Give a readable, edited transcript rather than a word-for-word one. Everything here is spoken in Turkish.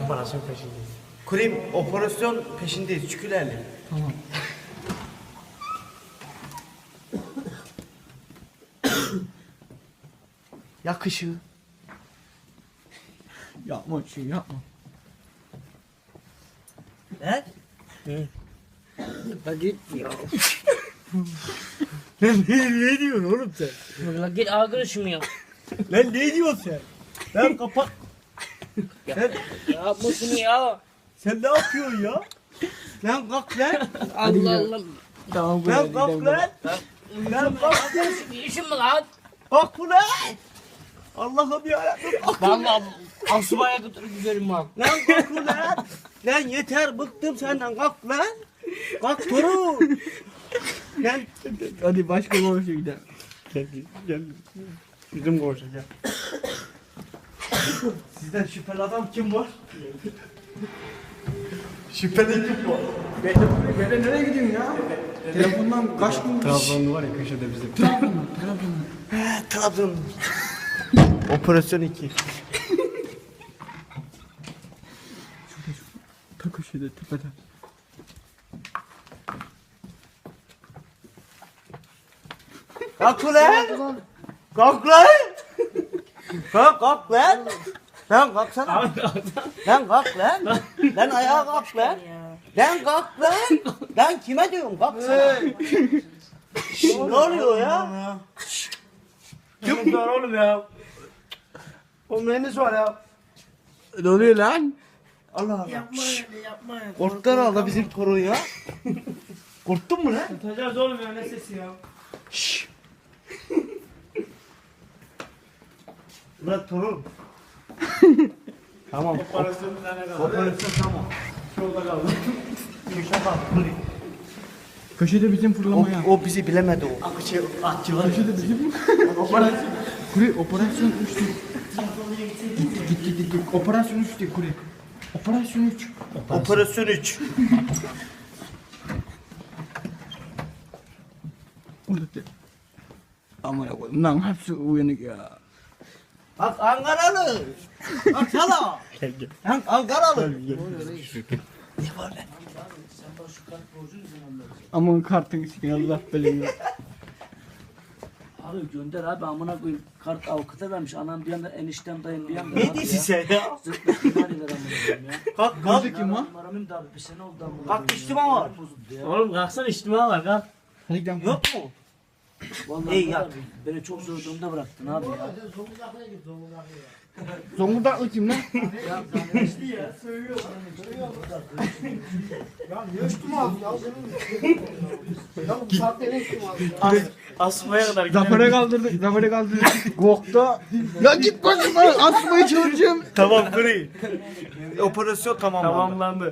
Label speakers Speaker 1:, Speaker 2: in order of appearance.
Speaker 1: operasyon peşindeyiz.
Speaker 2: Kurim operasyon peşindeyiz. Çükülerle.
Speaker 1: Tamam.
Speaker 2: Yak ışığı.
Speaker 1: Yapma şey yapma.
Speaker 2: Ne?
Speaker 3: La git ya.
Speaker 1: Ne diyorsun oğlum sen?
Speaker 3: La git arkadaşım ya.
Speaker 1: Lan ne diyorsun sen? Lan kapat.
Speaker 3: Yapma şunu ya.
Speaker 1: Sen ne yapıyorsun ya?
Speaker 2: Lan kalk lan.
Speaker 3: Allah Allah.
Speaker 1: Tamam
Speaker 2: Lan kalk lan. Lan kalk lan.
Speaker 3: İşim mi lan?
Speaker 2: Kalk bu lan. Allah'ım yarabbim.
Speaker 3: Vallahi asubaya götürüp giderim bak.
Speaker 2: Lan kalk lan. Lan yeter bıktım senden kalk lan. Kalk torun. Lan
Speaker 1: Hadi başka koğuşa gidelim. Gel. Bizim koğuşa gel.
Speaker 2: sizden şüpheli adam kim var? Şüpheli kim var?
Speaker 1: Ben nereye gidiyorsun ya? Telefondan kaç gün... Trabzonlu var ya köşede bizim.
Speaker 2: Trabzon. Operasyon 2.
Speaker 1: Ta köşede tepede.
Speaker 2: Kalk ulan. Kalk lan. Kalk lan. Lan kalksana. Lan kalk lan. Lan ayağa kalk lan. Lan kalk lan. Lan kime diyorum kalksana. Şşş, ne oluyor ya?
Speaker 1: Kim var oğlum ya? O mühendis var ya.
Speaker 2: Ne oluyor lan? Allah Allah.
Speaker 3: Yapma öyle yapma.
Speaker 2: Korktular aldı bizim torun ya. Korktun mu lan?
Speaker 1: Tutacağız oğlum ya ne sesi ya?
Speaker 2: Şşş. Ulan torun. Tamam.
Speaker 1: Operasyon bir tane kaldı.
Speaker 2: Operasyon tamam.
Speaker 1: Şurada kaldı.
Speaker 2: Köşe bak. Kuri.
Speaker 1: Köşede bizim fırlamaya.
Speaker 2: O bizi bilemedi o. Akıcı atçı var.
Speaker 1: Köşede bizim operasyon. Kuri operasyon 3'tü. Git. Operasyon 3'tü Kuri. Operasyon 3.
Speaker 2: Operasyon 3.
Speaker 1: Orada de. Aman koyayım lan hepsi uyanık ya.
Speaker 2: Bak Ankaralı. Bak sana.
Speaker 1: Gel.
Speaker 2: Lan Ankaralı.
Speaker 1: Aman kartın sikine Allah belanı.
Speaker 3: Abi gönder abi amına koyayım. Kart avukata vermiş. Anam bir yanda eniştem dayım bir yanda.
Speaker 2: Ne diyorsun sen ya?
Speaker 3: Zıplı ihtimaliler amına koyayım ya.
Speaker 2: Kalk
Speaker 1: Gözü
Speaker 2: kalk.
Speaker 1: kim ha?
Speaker 3: Numaramın da abi bir sene oldu amına
Speaker 2: Bak,
Speaker 3: koyayım
Speaker 2: içtima
Speaker 3: ya.
Speaker 2: var.
Speaker 3: Bozuldu ya.
Speaker 4: Oğlum kalksana içtima var kalk.
Speaker 1: Hadi gidelim.
Speaker 2: Yok mu?
Speaker 3: Vallahi
Speaker 2: İyi
Speaker 3: var
Speaker 2: yap.
Speaker 3: abi, beni çok zor durumda bıraktın abi ya.
Speaker 1: Zonguldaklı kim lan?
Speaker 4: Asmaya kadar
Speaker 1: Zafer'e kaldırdık. Gokta. Ya git başıma asmayı çalışacağım.
Speaker 2: Tamam Kuri. Operasyon tamamlandı.
Speaker 4: tamamlandı.